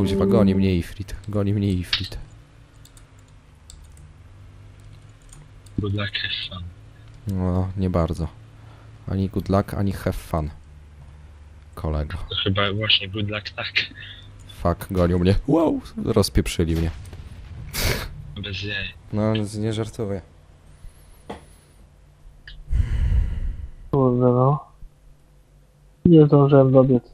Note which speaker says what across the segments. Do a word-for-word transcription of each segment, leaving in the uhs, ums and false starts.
Speaker 1: Kuźwa, goni mnie Ifrit. Goni mnie Ifrit.
Speaker 2: Good luck, have fun.
Speaker 1: No, nie bardzo. Ani good luck, ani have fun. Kolego.
Speaker 2: To chyba właśnie good luck tak.
Speaker 1: Fuck, gonią mnie. Wow, rozpieprzyli mnie.
Speaker 2: Bez jaj.
Speaker 1: No, nie żartuję.
Speaker 3: Kurde no. Nie zdążyłem dobiec.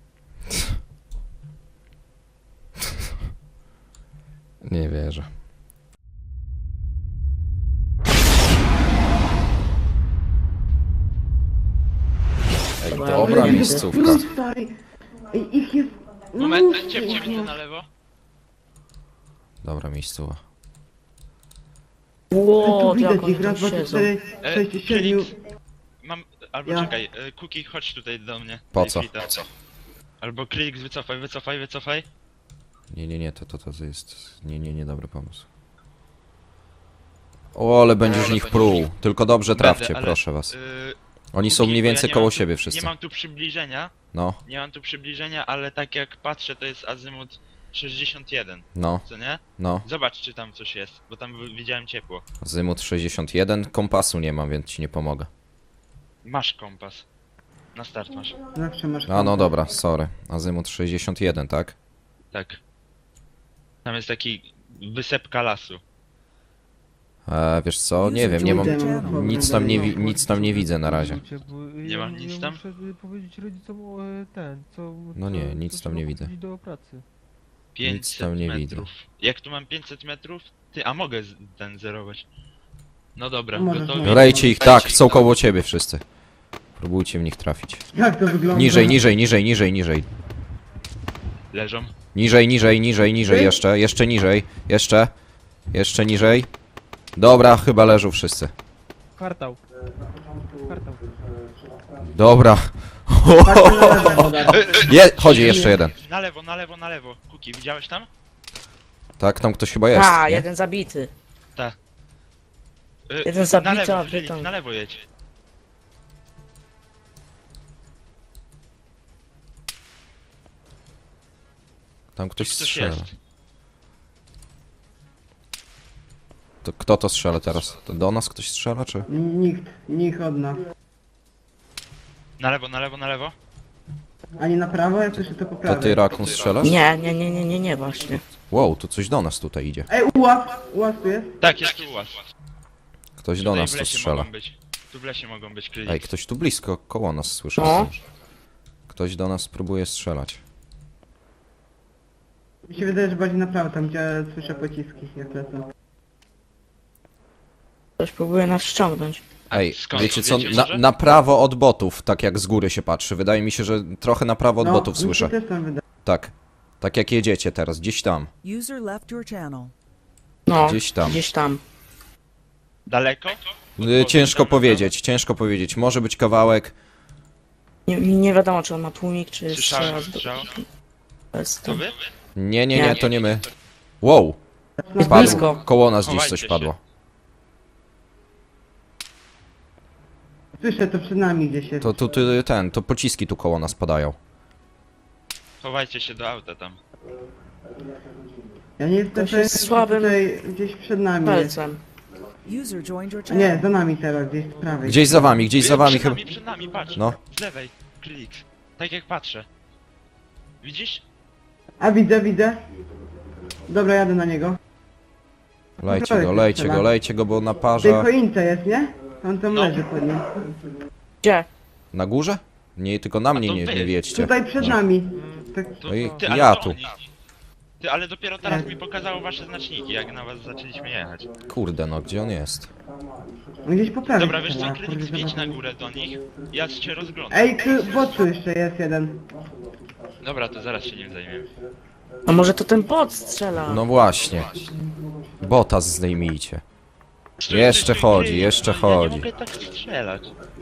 Speaker 1: Nie wierzę. Ej, dobra miejscówka.
Speaker 4: Ej, ich jest... no
Speaker 5: Moment,
Speaker 4: mnóstwo
Speaker 5: ciep, ciep,
Speaker 4: ich jest.
Speaker 5: na lewo.
Speaker 1: Dobra miejscowa.
Speaker 4: Tu
Speaker 6: Ło,
Speaker 4: widać
Speaker 6: jak oni
Speaker 4: ich, raz,
Speaker 6: tam
Speaker 4: dwa, trzy,
Speaker 6: siedzą.
Speaker 4: cztery,
Speaker 5: E,
Speaker 4: sześć, siedmiu...
Speaker 5: Mam, albo
Speaker 4: Ja.
Speaker 5: czekaj, e, Cookie, chodź tutaj do mnie.
Speaker 1: Po
Speaker 5: Daj
Speaker 1: co?
Speaker 5: flita. Albo Klik, wycofaj, wycofaj, wycofaj.
Speaker 1: Nie, nie, nie, to, to, to jest... Nie, nie, nie, dobry pomysł. O, ale będziesz w nich pruł. Tylko dobrze trafcie,
Speaker 5: Będę, ale,
Speaker 1: proszę was.
Speaker 5: e,
Speaker 1: Oni są
Speaker 5: Cookie,
Speaker 1: mniej
Speaker 5: bo ja
Speaker 1: więcej
Speaker 5: nie
Speaker 1: koło
Speaker 5: mam tu-
Speaker 1: siebie
Speaker 5: Nie
Speaker 1: wszyscy.
Speaker 5: mam tu przybliżenia,
Speaker 1: No,
Speaker 5: nie mam tu przybliżenia, ale tak jak patrzę, to jest azymut sześćdziesiąt jeden,
Speaker 1: no,
Speaker 5: co nie?
Speaker 1: no.
Speaker 5: Zobacz, czy tam coś jest, bo tam wi- widziałem ciepło.
Speaker 1: Zymut sześćdziesiąt jeden, kompasu nie mam, więc ci nie pomogę.
Speaker 5: Masz kompas. Na start masz.
Speaker 4: Zawsze masz...
Speaker 1: A no
Speaker 4: kontakt.
Speaker 1: dobra, sorry. Azymut sześćdziesiąt jeden, tak?
Speaker 5: Tak. Tam jest taki wysepka lasu.
Speaker 1: E, wiesz co, nie wiem, nie mam...
Speaker 4: Pójdę,
Speaker 1: Nic tam nie, wi nic tam nie widzę na razie.
Speaker 5: Nie mam nic tam?
Speaker 3: Muszę powiedzieć rodzicom o, e, ten, co...
Speaker 1: No nie,
Speaker 3: co-
Speaker 1: nic
Speaker 3: co
Speaker 1: tam nie
Speaker 3: trzeba
Speaker 1: widzę.
Speaker 3: kupić do pracy.
Speaker 5: pięćset
Speaker 1: tam nie
Speaker 5: metrów.
Speaker 1: widzę.
Speaker 5: Jak tu mam pięćset metrów? Ty, a mogę z- ten zerować. No dobra,
Speaker 4: Możesz,
Speaker 5: gotowi?
Speaker 4: możesz.
Speaker 1: Rejcie ich, tak, są koło ciebie wszyscy. Próbujcie w nich trafić.
Speaker 4: Jak to wygląda?
Speaker 1: Niżej, niżej, niżej, niżej, niżej.
Speaker 5: Leżą.
Speaker 1: Niżej, niżej, niżej, niżej, jeszcze, jeszcze niżej, jeszcze, jeszcze niżej. Dobra, chyba leżą wszyscy.
Speaker 3: Kwartał. Kwartał.
Speaker 1: Dobra.
Speaker 4: Patrzcie na lewo, Bogdan.
Speaker 1: Je, chodzi jeszcze jeden.
Speaker 5: Na lewo, na lewo, na lewo. Kuki, widziałeś tam?
Speaker 1: Tak, tam ktoś chyba jest.
Speaker 6: A,
Speaker 1: nie?
Speaker 6: jeden zabity.
Speaker 5: Y,
Speaker 6: Jeden
Speaker 5: na
Speaker 6: zabity,
Speaker 5: lewo,
Speaker 6: a wy
Speaker 5: Felix,
Speaker 6: tam-
Speaker 5: na lewo jedź.
Speaker 1: Tam ktoś
Speaker 5: Ktoś
Speaker 1: strzela.
Speaker 5: jest.
Speaker 1: To kto to strzela teraz? To do nas ktoś strzela, czy?
Speaker 4: Nikt, nikt od nas.
Speaker 5: Na lewo, na lewo, na lewo.
Speaker 4: Ani na prawo, jak słyszę to po
Speaker 1: To
Speaker 4: prawej.
Speaker 1: ty, Rakun, strzelasz?
Speaker 6: Nie, nie, nie, nie, nie, nie, właśnie.
Speaker 1: Wow, tu coś do nas tutaj idzie.
Speaker 4: Ej, ułaz! Ułaz tu jest?
Speaker 5: Tak, jest tu u was.
Speaker 1: Ktoś do
Speaker 5: Tutaj
Speaker 1: nas
Speaker 5: w
Speaker 1: tu
Speaker 5: lesie
Speaker 1: strzela.
Speaker 5: mogą być. Tu w lesie mogą być Klik.
Speaker 1: Ej, ktoś tu blisko, koło nas słyszę.
Speaker 6: No.
Speaker 1: Ktoś do nas próbuje strzelać.
Speaker 4: Mi się wydaje, że bardziej na prawo, tam gdzie słyszę pociski, jak lecą.
Speaker 6: Ktoś próbuje nas ściągnąć.
Speaker 1: Ej,
Speaker 5: skąd?
Speaker 1: wiecie co,
Speaker 5: Wiecie
Speaker 1: na,
Speaker 5: może?
Speaker 1: na prawo od botów, tak jak z góry się patrzy. Wydaje mi się, że trochę na prawo od
Speaker 4: No,
Speaker 1: botów
Speaker 4: mi się
Speaker 1: słyszę.
Speaker 4: też tam wydaje.
Speaker 1: Tak. Tak jak jedziecie teraz, gdzieś tam.
Speaker 7: User left your channel.
Speaker 6: No,
Speaker 1: Gdzieś tam.
Speaker 6: Gdzieś tam.
Speaker 5: Daleko?
Speaker 1: Y, Ciężko powiedzieć, ciężko powiedzieć. Może być kawałek.
Speaker 6: Nie, nie wiadomo, czy on ma tłumik, czy
Speaker 5: Słyszałem
Speaker 6: strzela.
Speaker 5: strzał.
Speaker 6: Bez
Speaker 5: To wy?
Speaker 1: Nie, nie, nie,
Speaker 6: Nie.
Speaker 1: to nie my. Wow,
Speaker 6: Jest
Speaker 1: padło.
Speaker 6: blisko.
Speaker 1: Koło nas gdzieś
Speaker 5: Chowajcie
Speaker 1: coś
Speaker 5: się.
Speaker 1: padło.
Speaker 4: Słyszę, to przed nami gdzieś jest.
Speaker 1: To tu tu, ten, to pociski tu koło nas padają.
Speaker 5: Chowajcie się do auta tam.
Speaker 4: Ja nie jestem
Speaker 6: Ktoś jest
Speaker 4: pewien, czy
Speaker 6: słabym
Speaker 4: tutaj gdzieś przed nami jest.
Speaker 6: Palcem.
Speaker 7: User joined your
Speaker 4: A nie,
Speaker 7: channel.
Speaker 4: za nami teraz, gdzieś z prawej.
Speaker 1: Gdzieś za wami, gdzieś za wami
Speaker 5: przed
Speaker 1: chyba.
Speaker 5: nami, przed nami, patrz.
Speaker 1: No.
Speaker 5: Z lewej. Klik. Tak jak patrzę. Widzisz?
Speaker 4: A widzę, widzę. Dobra, jadę na niego.
Speaker 1: Lejcie go, lejcie go, lejcie go, bo naparza.
Speaker 4: Tej choince jest, nie? On tam
Speaker 5: No.
Speaker 4: leży pod nim.
Speaker 6: Gdzie?
Speaker 1: Na górze? Nie, tylko na mnie
Speaker 5: to
Speaker 1: nie,
Speaker 5: wy.
Speaker 1: nie wiedźcie.
Speaker 4: Tutaj przed nami. Tak,
Speaker 5: To,
Speaker 1: No i
Speaker 5: ty, ale
Speaker 1: ja
Speaker 5: to
Speaker 1: tu.
Speaker 5: oni. Ty, ale dopiero teraz mi pokazało wasze znaczniki, jak na was zaczęliśmy jechać.
Speaker 1: Kurde no, gdzie on jest?
Speaker 4: gdzieś po prawej.
Speaker 5: Dobra, wiesz co,
Speaker 4: strzela,
Speaker 5: Klik,
Speaker 4: kurde,
Speaker 5: zwiedź
Speaker 4: zobacz.
Speaker 5: na górę do nich. Ja cię rozglądam.
Speaker 4: Ej, tu bocu jeszcze jest jeden.
Speaker 5: Dobra, to zaraz się nim zajmiemy.
Speaker 6: A może to ten bot strzela?
Speaker 1: No właśnie. Bota zdejmijcie. Jeszcze chodzi, jeszcze
Speaker 5: Ja
Speaker 1: chodzi.
Speaker 5: nie mogę tak strzelać.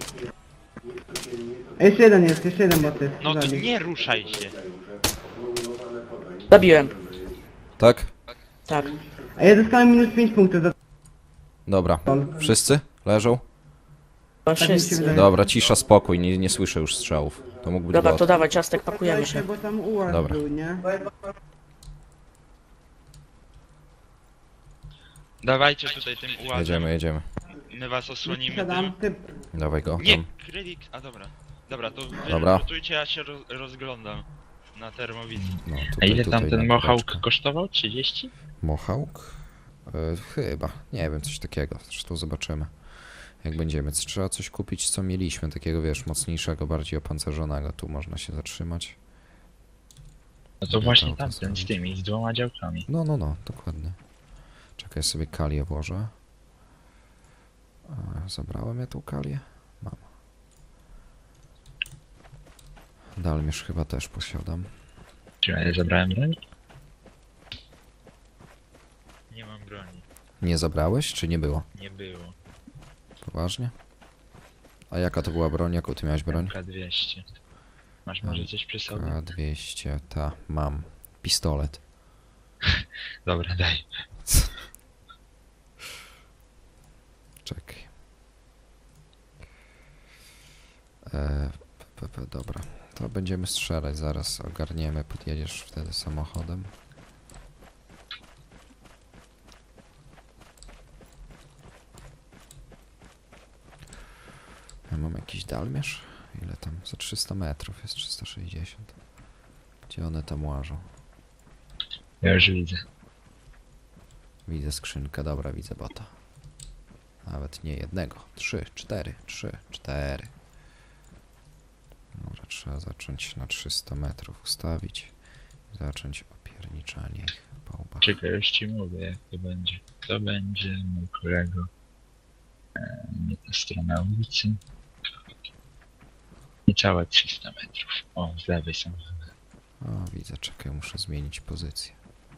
Speaker 4: Ej, jeszcze jeden jest, jeszcze jeden bot jest.
Speaker 5: No to
Speaker 4: Zabił.
Speaker 5: nie ruszaj się.
Speaker 6: Zabiłem.
Speaker 1: Tak?
Speaker 6: Tak.
Speaker 4: A ja dostałem minus pięć punktów za
Speaker 1: Dobra. Wszyscy? Leżą?
Speaker 6: To
Speaker 4: mi się
Speaker 6: wszyscy.
Speaker 4: wydaje.
Speaker 1: Dobra, cisza, spokój, nie, nie słyszę już strzałów. To mógł być
Speaker 6: Dobra,
Speaker 1: bot.
Speaker 6: to dawaj ciastek, pakujemy się.
Speaker 4: bo tam ułaz
Speaker 1: Dobra.
Speaker 4: był, nie?
Speaker 5: Dawajcie tutaj tym ułazem.
Speaker 1: Jedziemy, jedziemy.
Speaker 5: My was osłonimy
Speaker 4: Siadam,
Speaker 5: tym.
Speaker 4: typ.
Speaker 1: Dawaj go
Speaker 5: Nie,
Speaker 1: tam.
Speaker 5: Krylik, a dobra. Dobra, to wy
Speaker 1: Dobra.
Speaker 5: lutujcie, ja się roz, rozglądam na termowizji.
Speaker 1: No,
Speaker 2: A
Speaker 1: tutaj,
Speaker 2: ile tam
Speaker 1: tutaj
Speaker 2: ten
Speaker 1: na
Speaker 2: Mohawk
Speaker 1: góreczkę.
Speaker 2: kosztował? trzydzieści?
Speaker 1: Mohawk? E, chyba. Nie wiem, coś takiego. Zresztą zobaczymy. Jak będziemy. Trzeba coś kupić, co mieliśmy. Takiego, wiesz, mocniejszego, bardziej opancerzonego. Tu można się zatrzymać.
Speaker 2: No to właśnie
Speaker 1: Auto
Speaker 2: tamten z
Speaker 1: zrobić.
Speaker 2: tymi, z dwoma działkami.
Speaker 1: No, no, no, dokładnie. Czekaj, sobie kalię włożę. E, zabrałem ja tą kalię? Mam. Dalmierz chyba też posiadam.
Speaker 2: Czy ja zabrałem broń?
Speaker 5: Nie mam broni.
Speaker 1: Nie zabrałeś, czy nie było?
Speaker 5: Nie było.
Speaker 1: Poważnie? A jaka to była broń? Jaką ty miałeś broń?
Speaker 2: K dwieście. Masz może coś przy sobie?
Speaker 1: K dwieście, ta, mam. Pistolet.
Speaker 2: Dobra, daj.
Speaker 1: Czekaj. E, p, p, dobra. To będziemy strzelać zaraz. Ogarniemy, podjedziesz wtedy samochodem. Ja mam jakiś dalmierz? Ile tam? Za trzysta metrów jest trzysta sześćdziesiąt. Gdzie one tam łażą?
Speaker 2: Ja już widzę.
Speaker 1: Widzę skrzynkę, dobra, widzę bota. Nawet nie jednego. Trzy, cztery, trzy, cztery. Dobra, trzeba zacząć na trzysta metrów ustawić. Zacząć opierniczanie ich po łbach.
Speaker 2: Czekaj, już ci mówię jak to będzie. To będzie mój kolego. E, nie ta strona ulicy. Niecałe trzysta metrów. O, z lewej są.
Speaker 1: O, widzę, czekaj, muszę zmienić pozycję.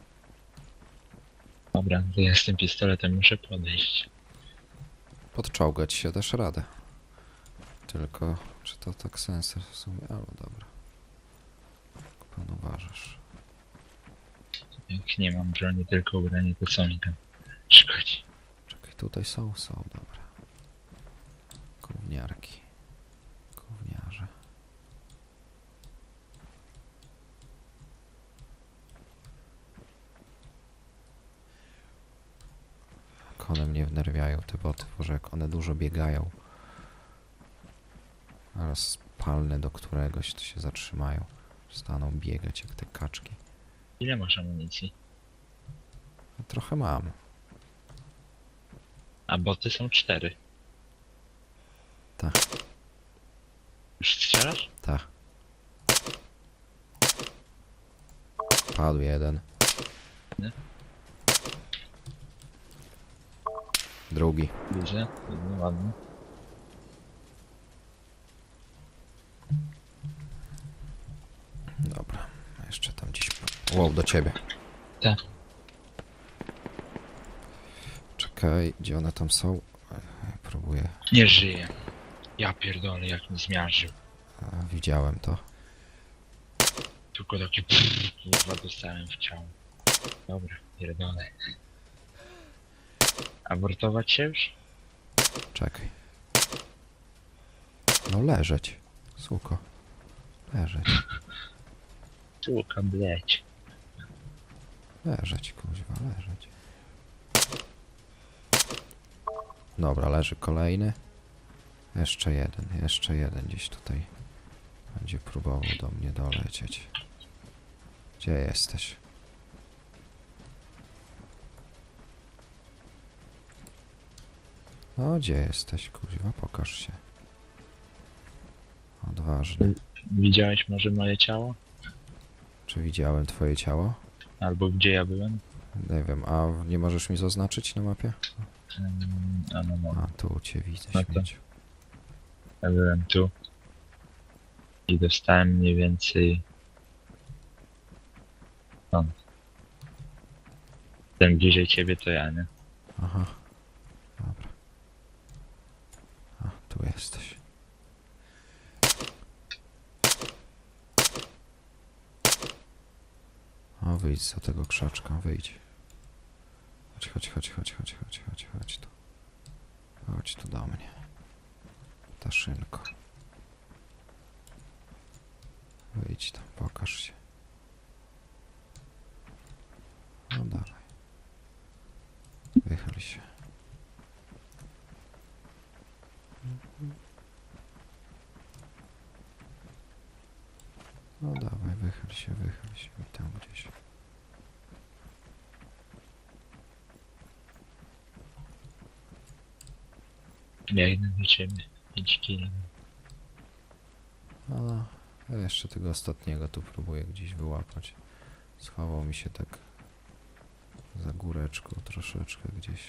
Speaker 2: Dobra, to ja z tym pistoletem muszę podejść.
Speaker 1: Podczołgać się też radę. Tylko, czy to tak sensor w sumie? Ale dobra. Jak pan uważasz?
Speaker 2: Jak nie mam broni, tylko ubranie, to co mi tam szkodzi?
Speaker 1: Czekaj, tutaj są, są, dobra. Gówniarki. Gówniarze. Jak one mnie wnerwiają, te boty, Boże, jak one dużo biegają. Zaraz palnę do któregoś, to się zatrzymają. Staną biegać jak te kaczki.
Speaker 2: Ile masz amunicji?
Speaker 1: No, trochę mam.
Speaker 2: A boty są cztery.
Speaker 1: Tak.
Speaker 2: Już strzelasz?
Speaker 1: Tak. Padł jeden.
Speaker 2: Nie?
Speaker 1: Drugi.
Speaker 2: Widzę, no ładnie.
Speaker 1: Dobra. Jeszcze tam gdzieś... Wow, do ciebie.
Speaker 2: Tak.
Speaker 1: Czekaj, gdzie one tam są? E, Próbuję.
Speaker 2: Nie żyje. Ja pierdolę, jak mi zmiażdżył.
Speaker 1: A, widziałem to.
Speaker 2: Tylko taki kurwa dostałem w ciało. Dobra, pierdolę. Abortować się już?
Speaker 1: Czekaj. No leżeć. Suko. Leżeć.
Speaker 2: Słuka, bleć.
Speaker 1: Leżeć, kuźwa, leżeć. Dobra, leży kolejny. Jeszcze jeden, jeszcze jeden gdzieś tutaj będzie próbował do mnie dolecieć. Gdzie jesteś? No, gdzie jesteś, kuźwa? Pokaż się. Odważny.
Speaker 2: Widziałeś może moje ciało?
Speaker 1: Czy widziałem twoje ciało?
Speaker 2: Albo gdzie ja byłem?
Speaker 1: Nie wiem, a nie możesz mi zaznaczyć na mapie?
Speaker 2: Mm, a no, no.
Speaker 1: A, tu cię widzę,
Speaker 2: No to-
Speaker 1: śmieciu.
Speaker 2: Ja byłem tu. I dostałem mniej więcej... Stąd. Ten bliżej ciebie to ja, nie?
Speaker 1: Aha. Dobra. A, tu jesteś. O, wyjdź za tego krzaczka, wyjdź. Chodź, chodź, chodź, chodź, chodź, chodź, chodź, chodź tu. Chodź tu do mnie. Taszynko. Wyjdź tam, pokaż się. No dawaj. Wychyl się. No dawaj, wychyl się, wychyl się i tam gdzieś.
Speaker 2: Biegnę do ciebie. pięć kilo.
Speaker 1: No, ja jeszcze tego ostatniego tu próbuję gdzieś wyłapać. Schował mi się tak za góreczką troszeczkę gdzieś.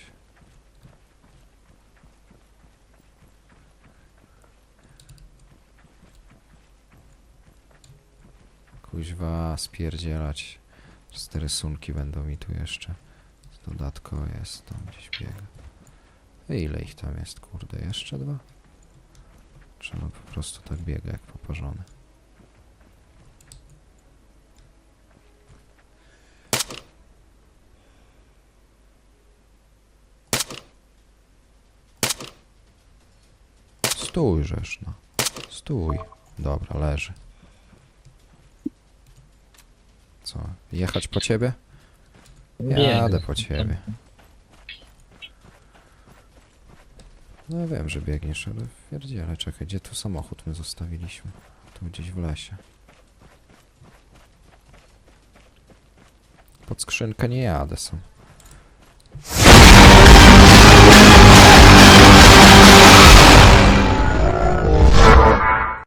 Speaker 1: Kuźwa, spierdzielać. Te rysunki będą mi tu jeszcze. Dodatko jest, tam gdzieś biega. Ile ich tam jest, kurde? Jeszcze dwa? Trzeba po prostu tak biega jak poparzony. Stój, żeż no. Stój. Dobra, leży. Co? Jechać po ciebie? Jadę po ciebie. No wiem, że biegniesz, ale pierdziele, czekaj, gdzie tu samochód my zostawiliśmy? Tu gdzieś w lesie. Pod skrzynkę nie jadę sam.